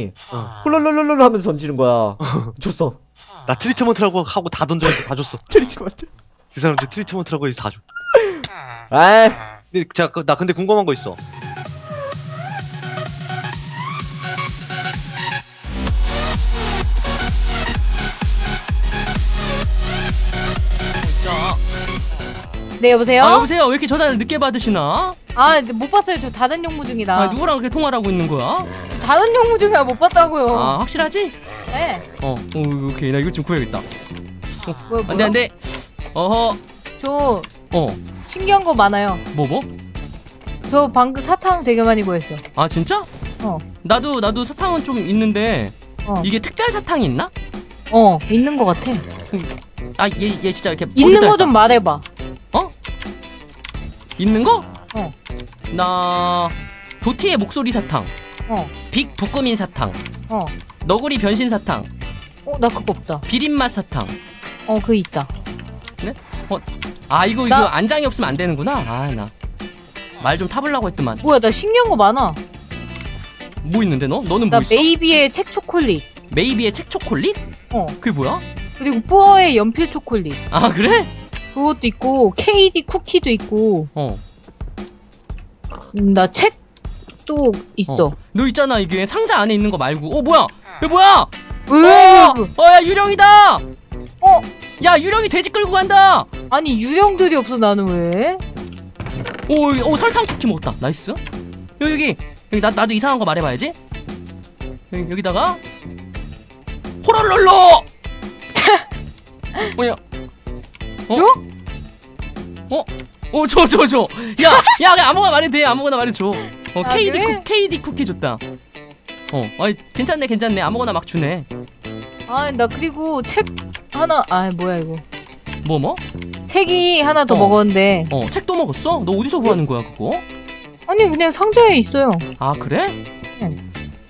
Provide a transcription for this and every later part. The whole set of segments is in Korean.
사탕이 훌룰룰룰룰 하면서 던지는 거야. 줬어. 나 트리트먼트라고 하고 다 던졌는데 다 줬어. 트리트먼트. 그 사람들 트리트먼트라고 해서 다 줘. 아이. 근데 나 근데 궁금한 거 있어. 네, 여보세요? 여보세요? 왜 이렇게 전화를 늦게 받으시나? 못 봤어요. 저 다른 용무 중이다. 누구랑 그렇게 통화를 하고 있는 거야? 저 다른 용무 중이라 못 봤다고요. 확실하지? 네. 오케이. 나 이거 좀 구해야겠다. 뭐야? 안 돼. 어허. 저 신기한 거 많아요. 뭐? 저 방금 사탕 되게 많이 구했어. 아, 진짜? 나도 사탕은 좀 있는데 이게 특별 사탕이 있나? 있는 거 같아. 얘 진짜 이렇게 있는 거 좀 말해봐. 있는 거? 나 도티의 목소리 사탕. 빅 북구민 사탕. 너구리 변신 사탕. 나 그거 없다. 비린맛 사탕. 그거 있다. 네? 이거 안장이 없으면 안 되는구나. 나 말 좀 타보려고 했더만. 뭐야, 나 신기한 거 많아. 뭐 있는데 너? 너는 나 뭐 있어? 메이비의 책 초콜릿. 메이비의 책 초콜릿? 그게 뭐야? 그리고 뿌어의 연필 초콜릿. 아, 그래? 그것도 있고 KD 쿠키도 있고. 나 책도 있어. 너 있잖아, 이게 상자 안에 있는 거 말고. 뭐야? 이거 뭐야? 왜? 야, 유령이다. 야, 유령이 돼지 끌고 간다. 아니, 유령들이 없어. 나는 왜? 설탕 쿠키 먹었다. 나이스. 여기 나도 이상한 거 말해봐야지. 여기다가 호롤롤로. 뭐야? 줘. 야, 그냥 아무거나 말해도 돼. 아무거나 말해줘. 그래? KD 쿠키 줬다. 괜찮네. 아무거나 막 주네. 나 그리고 책 하나. 뭐야 이거? 뭐? 책이 하나 더 먹었는데. 책도 먹었어? 너 어디서 구하는 거야 그거? 아니, 그냥 상자에 있어요. 아, 그래? 응.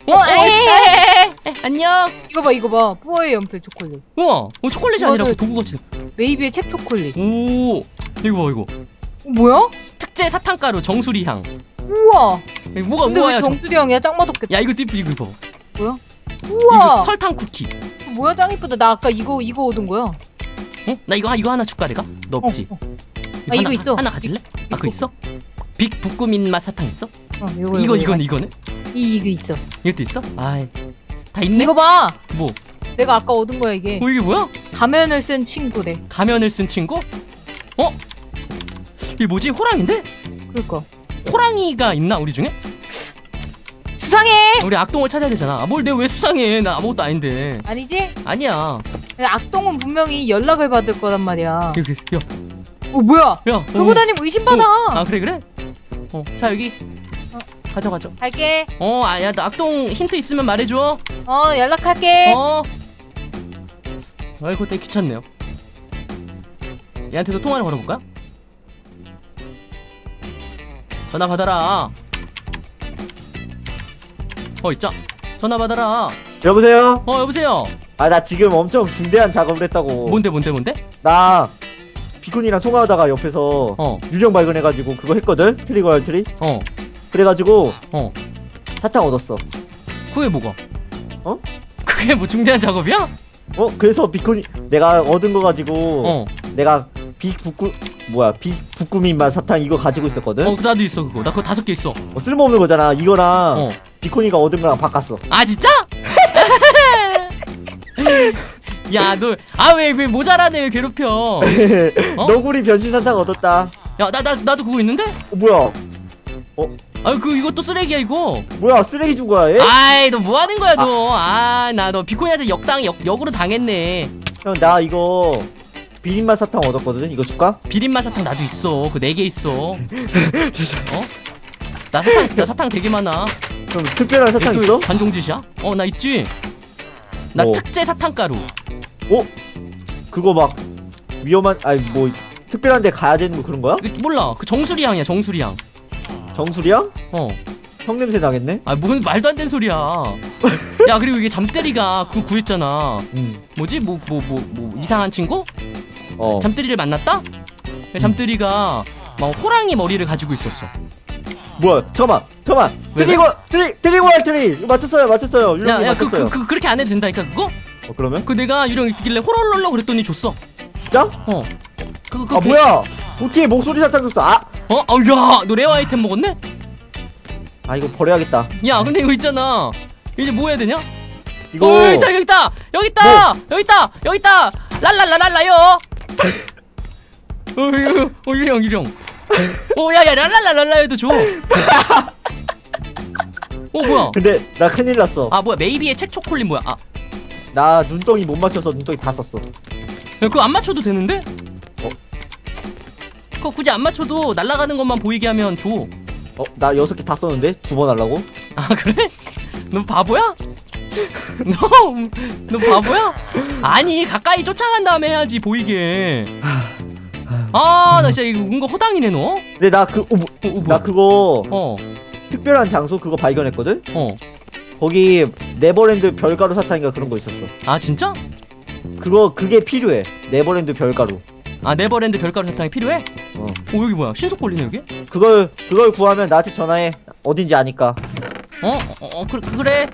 안녕. 이거 봐. 뿌어의 연필 초콜릿. 우와, 초콜릿이 아니라 도구같이. 메이비의 책 초콜릿. 이거. 뭐야? 특제 사탕가루 정수리 향. 우와. 근데 뭐야? 왜 정수리 향이야? 짱 맛없겠다. 야, 이거 봐. 뭐야? 우와. 이거 설탕 쿠키. 뭐야, 짱 이쁘다. 나 아까 이거 얻은 거야. 나 이거 하나 줄까 내가? 너 없지? 이거 있어. 하나 가질래? 그거 있어? 빅 북구민 맛 사탕 있어? 이거네. 이거 있어. 이것도 있어? 다 있네. 이거 봐. 뭐? 내가 아까 얻은 거야 이게. 이게 뭐야? 가면을 쓴 친구래. 가면을 쓴 친구? 이게 뭐지? 호랑인데? 그러니까. 호랑이가 있나 우리 중에? 수상해. 우리 악동을 찾아야 되잖아. 뭘 내가 왜 수상해? 나 아무것도 아닌데. 아니지? 아니야. 악동은 분명히 연락을 받을 거란 말이야. 야. 뭐야? 야. 들고 다니면 의심받아. 그래? 자, 여기. 가져. 갈게. 야, 너 악동 힌트 있으면 말해줘. 연락할게. 아이고, 되게 귀찮네요. 얘한테도 통화를 걸어볼까? 전화 받아라. 있자. 전화 받아라. 여보세요? 여보세요? 나 지금 엄청 중대한 작업을 했다고. 뭔데? 나 비콘이랑 통화하다가 옆에서 유령 발견해가지고 그거 했거든? 트리거 트리? 그래가지고 사탕 얻었어. 그게 뭐가? 그게 뭐 중대한 작업이야? 그래서 비콘이 내가 얻은 거 가지고 내가 북구민맛 사탕 이거 가지고 있었거든? 나도 있어 그거. 나 그거 5개 있어. 쓸모없는 거잖아. 이거랑 비콘이가 얻은 거랑 바꿨어. 아, 진짜? 야, 너 왜 모자라네 왜 괴롭혀? 너구리 변신 사탕 얻었다. 야, 나도 그거 있는데? 뭐야? 이것도 쓰레기야 이거. 뭐야, 쓰레기 준 거야 얘? 너 뭐 하는 거야 너? 너 비코니한테 역으로 당했네. 형, 나 이거 비린맛 사탕 얻었거든. 이거 줄까? 비린맛 사탕 나도 있어. 그 4개 있어. 나 사탕 되게 많아. 그럼 특별한 사탕 있어? 관종짓이야? 나 있지. 나 특제 사탕가루. 그거 막 위험한 특별한 데 가야 되는 거 그런 거야? 몰라. 그 정수리 향이야, 정수리 향. 정수리 향? 형 냄새 나겠네? 뭔 말도 안 되는 소리야. 야, 그리고 이게 잠때리가 구했잖아. 뭐지? 뭐 이상한 친구? 잠때리를 만났다? 잠때리가 막 호랑이 머리를 가지고 있었어. 뭐야? 잠깐만. 왜? 드리고 할 트리 맞췄어요. 유령님 맞췄어요. 그렇게 안 해도 된다니까 그거? 그러면? 그 내가 유령 있길래 호롤롤러 그랬더니 줬어. 진짜? 뭐야? 도티의 목소리 사탕 줬어. 야, 너 레어 아이템 먹었네? 이거 버려야겠다. 야, 근데 이거 있잖아. 이제 뭐 해야 되냐? 이거 여기 있다. 랄랄라랄라요. 유령. 야, 랄랄라랄라 해도 줘. 뭐야? 근데 나 큰일 났어. 뭐야? 메이비의 책 초콜릿 뭐야? 나 눈덩이 못 맞춰서 눈덩이 다 썼어. 야, 그거 안 맞춰도 되는데? 그거 굳이 안 맞춰도 날아가는 것만 보이게 하면 줘. 나 6개 다 썼는데 2번 하려고? 그래? 너 바보야? 너 바보야? 아니, 가까이 쫓아간 다음에 해야지 보이게. 나 진짜 이거 은거 허당이네 너. 근데 나 그거 어. 특별한 장소 그거 발견했거든? 어. 거기 네버랜드 별가루 사탕인가 그런 거 있었어. 진짜? 그게 필요해. 네버랜드 별가루. 네버랜드 별가루 사탕이 필요해? 여기 뭐야? 신속 걸리네 여기? 그걸 구하면 나한테 전화해. 어딘지 아니까. 그래.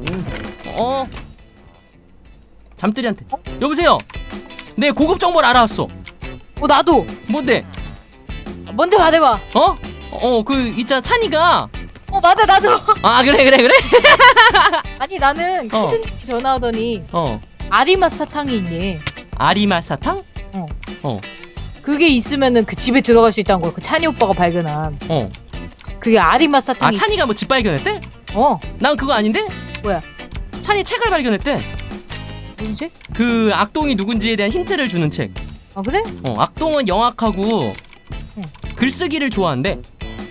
잠들이한테. 여보세요. 내 고급 정보를 알아왔어. 나도. 뭔데? 뭔데 말해봐. 있잖아 찬이가. 맞아 나도. 그래. 아니 나는 키즈님이 전화하더니 아리맛 사탕이 있네. 아리맛 사탕? 그게 있으면은 그 집에 들어갈 수 있다는 거야. 그 찬이 오빠가 발견한. 그게 아리맛 사탕이. 찬이가 뭐 집 발견했대? 난 그거 아닌데? 뭐야? 찬이 책을 발견했대. 무슨 책? 그 악동이 누군지에 대한 힌트를 주는 책. 그래? 악동은 영악하고 글쓰기를 좋아한대.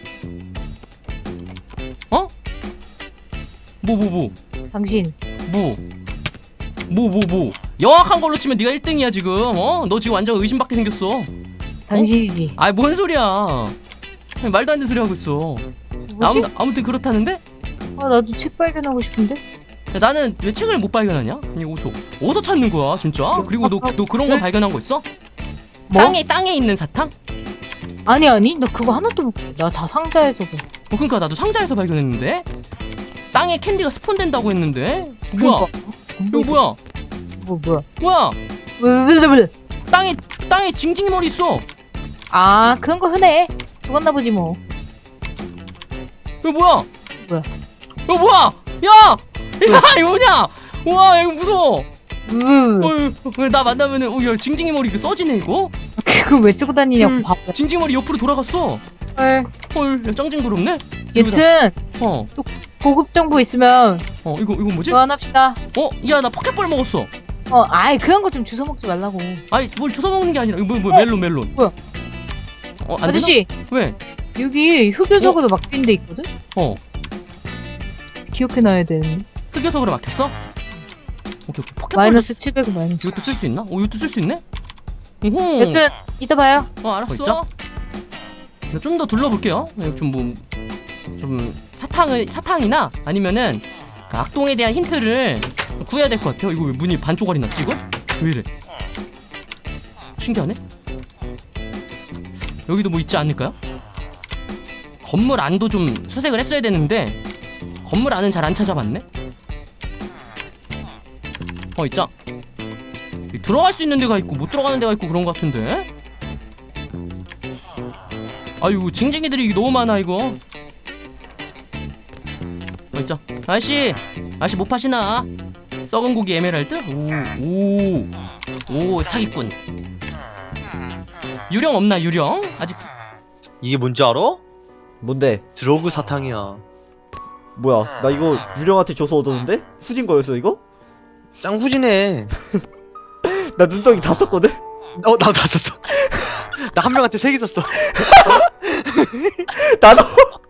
뭐? 당신. 뭐? 영악한 걸로 치면 네가 1등이야 지금. 너 지금 완전 의심받게 생겼어. 당신이지. 뭔 소리야? 말도 안 되는 소리 하고 있어. 뭐지? 아무튼 그렇다는데? 나도 책 발견하고 싶은데? 야, 나는 왜 책을 못 발견하냐? 이거 어디서 찾는 거야 진짜? 그리고 너 그런 거 발견한 거 있어? 뭐? 땅에 있는 사탕? 아니 나 그거 하나도 못. 나 다 상자에서 봐. 그러니까 나도 상자에서 발견했는데 땅에 캔디가 스폰된다고 했는데 뭐야? 이거 뭐야? 뭐야? 뭐야? 왜? 땅에 징징이 머리 있어. 그런 거 흔해. 죽었나 보지 뭐. 이거 뭐야? 이거 뭐야? 야, 이거 뭐냐? 와, 이거 무서워. 나 만나면은 야, 징징이 머리 이거 써지네 이거. 그걸 왜 쓰고 다니냐고 바보야. 징징이 머리 옆으로 돌아갔어. 야, 짱징그럽네. 여튼 또 고급 정보 있으면 이거 뭐지? 교환합시다. 야, 나 포켓볼 먹었어. 그런 거 좀 주워 먹지 말라고. 뭘 주워 먹는 게 아니라 뭐 멜론. 뭐야? 안 아저씨. 되나? 왜? 여기 흑요석으로 막힌 데 있거든? 기억해놔야 되는. 흑요석으로 막혔어? 오케이. 포켓볼 마이너스 700 마이너스. 이것도 쓸 수 있나? 이것도 쓸 수 있네? 여튼 이따 봐요. 알았어. 좀 더 둘러볼게요. 좀 사탕이나 아니면은 그 악동에 대한 힌트를 구해야 될 것 같아요. 이거 왜 문이 반쪽알이 났지 이거? 왜 이래? 신기하네. 여기도 뭐 있지 않을까요? 건물 안도 좀 수색을 했어야 되는데 건물 안은 잘 안 찾아봤네. 있자. 들어갈 수 있는 데가 있고 못 들어가는 데가 있고 그런 것 같은데. 아유, 징징이들이 너무 많아 이거. 있자. 아저씨 못 파시나? 썩은 고기 에메랄드? 오 사기꾼. 유령 없나 유령? 아직. 이게 뭔지 알아? 뭔데? 드러그 사탕이야. 뭐야? 나 이거 유령한테 줘서 얻었는데? 후진 거였어 이거? 짱 후진해. 나 눈덩이 다 썼거든? 나도 다 썼어. 나 한 명한테 3개 썼어. 나도.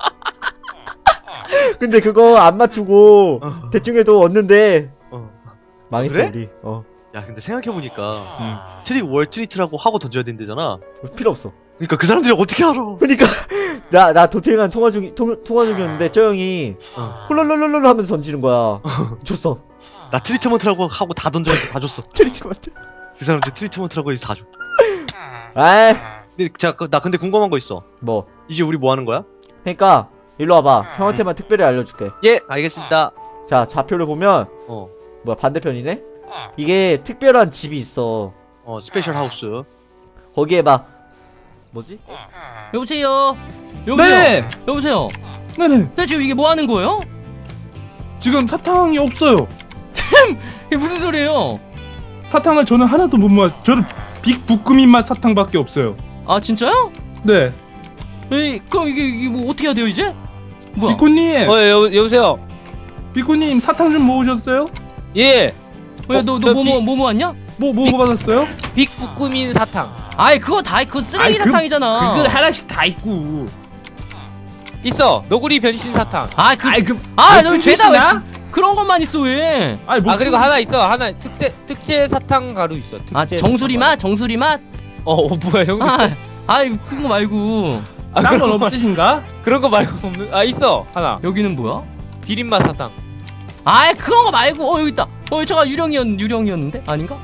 근데 그거 안 맞추고 대충 해도 얻는데 망했어. 그래? 우리. 야, 근데 생각해보니까 트릭 월 트리트라고 하고 던져야 된대잖아. 필요 없어. 그러니까 그 사람들이 어떻게 알아? 그니까 나 도태랑 통화 중이었는데 저 형이 홀롤롤롤 하면서 던지는 거야. 줬어. 나 트리트먼트라고 하고 다 던져서 다 줬어. 트리트먼트. 그 사람들 트리트먼트라고 해서 다 줘. 아이. 근데 나 근데 궁금한 거 있어. 뭐? 이제 우리 뭐 하는 거야? 그러니까 일로 와봐. 형한테만 특별히 알려줄게. 예, 알겠습니다. 자, 좌표를 보면 뭐야, 반대편이네? 이게 특별한 집이 있어. 스페셜 하우스. 거기에 막 뭐지? 여보세요. 네. 여보세요. 네네. 근데 지금 이게 뭐 하는 거예요? 지금 사탕이 없어요. 이게 무슨 소리예요? 사탕을 저는 하나도 못 모았어요. 저는 빅부꾸민 맛 사탕밖에 없어요. 아 진짜요? 네. 에이, 그럼 이게 뭐 어떻게 해야 돼요 이제? 뭐야? 비코님. 여보세요. 비코님 사탕 좀 모으셨어요? 예. 너뭐 모았냐? 뭐 받았어요? 빅부꾸민 사탕 아이 그거 다 그거 쓰레기 아이, 사탕이잖아. 그거 하나씩 다 있고. 있어. 너구리 변신 사탕. 너 죄다 왜 그런 것만 있어 왜? 아니 아 그리고 하나 있어. 하나 특제 사탕 가루 있어. 특제 정수리 사탕 맛? 정수리 맛? 뭐야 형도 있어? 아이 그런 거 말고 딴 건 없으신가? 그런 거 말고 없는. 아 있어 하나. 여기는 뭐야? 비린맛 사탕. 아이 그런 거 말고 여기 있다. 잠깐 유령이었는데 아닌가?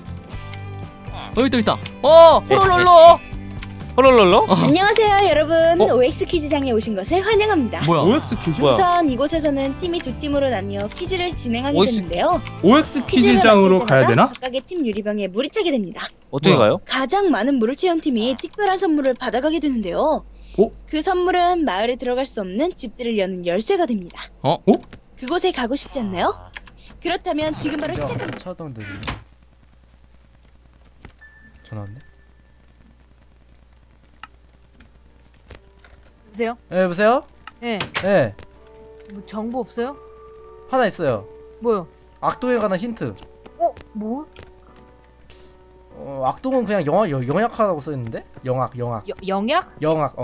여기 있다. 호롤롤러. 홀롤롤로? 안녕하세요 여러분. OX 퀴즈장에 오신 것을 환영합니다. 뭐야? OX 퀴즈? 우선 이곳에서는 팀이 두 팀으로 나뉘어 퀴즈를 진행하게 OX 되는데요. OX 퀴즈장으로 가야 되나? 각각의 팀 유리병에 물이 차게 됩니다. 어떻게 가요? 가장 많은 물을 채운 팀이 특별한 선물을 받아가게 되는데요. 그 선물은 마을에 들어갈 수 없는 집들을 여는 열쇠가 됩니다. 그곳에 가고 싶지 않나요? 그렇다면 지금 바로 시작합니다. 차단되네. 전화 왔네. 여보세요? 네, 여보세요? 네. 네, 뭐 정보 없어요? 하나 있어요. 뭐요? 악동에 관한 힌트. 뭐? 악동은 그냥 영약하다고 써있는데? 영악. 영약? 영악. 영악.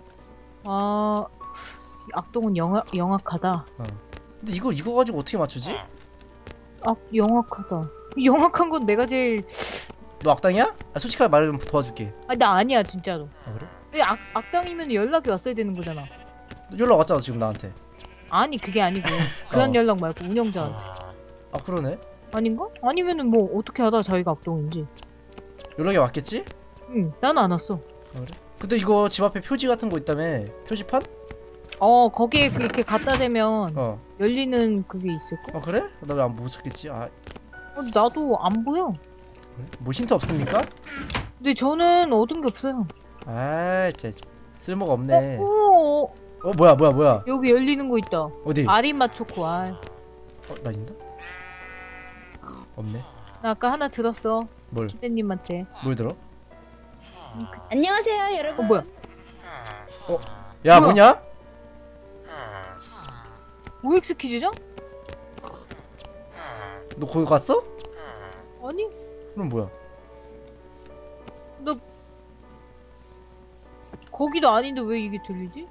악동은 영악하다. 근데 이거 가지고 어떻게 맞추지? 영악하다. 영악한 건 내가 제일. 너 악당이야? 솔직하게 말하면 도와줄게. 나 아니야 진짜로. 그래? 근데 악당이면 연락이 왔어야 되는 거잖아. 연락 왔잖아 지금 나한테. 아니 그게 아니고 그런 연락 말고 운영자한테. 그러네. 아닌가? 아니면은 뭐 어떻게 하다 자기가 악동인지. 연락이 왔겠지? 응, 나는 안 왔어. 그래? 근데 이거 집 앞에 표지 같은 거 있다며? 표지판? 거기에 이렇게 갖다 대면 열리는 그게 있을까? 그래? 나 왜 못 찾겠지? 나도 안 보여. 그래? 뭐 힌트 없습니까? 근데 저는 얻은 게 없어요. 진짜 쓸모가 없네. 뭐야? 여기 열리는 거 있다. 어디? 아리맛 초코. 나 있나? 없네. 나 아까 하나 들었어. 뭘? 키드님한테. 뭘 들어? 안녕하세요 여러분. 뭐야? 야 뭐냐? OX 퀴즈죠? 너 거기 갔어? 아니, 그럼 뭐야? 나 거기도 아닌데 왜 이게 들리지?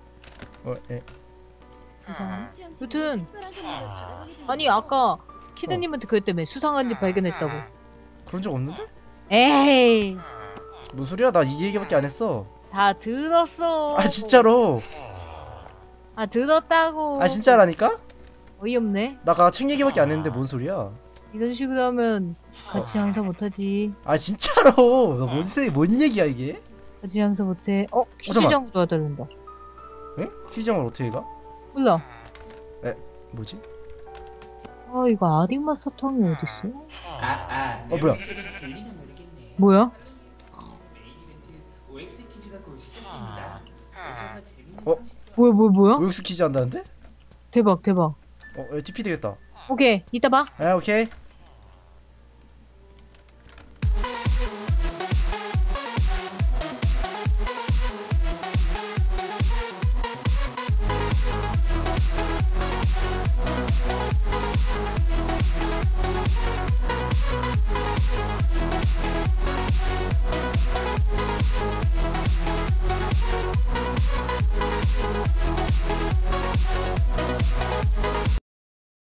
이상하네. 여튼 아니 아까 키드님한테 그랬다며 수상한 집 발견했다고. 그런 적 없는데? 에이, 무슨 소리야? 나 이 얘기밖에 안 했어. 다 들었어. 진짜로? 들었다고. 진짜라니까? 어이없네. 나가 책 얘기밖에 안 했는데 뭔 소리야? 이런 식으로 하면 같이 장사 못하지. 진짜로? 너 뭔 얘기야 이게? 같이 장사 못해. 퀴즈장으로 와달란다. 에? 퀴즈장을 어떻게 가? 몰라. 뭐지? 이거 아리맛 사탕이 어딨어? 뭐야? 뭐야? 뭐야? OX 퀴즈 한다는데? 대박. TP 되겠다. 오케이, 이따 봐. 오케이.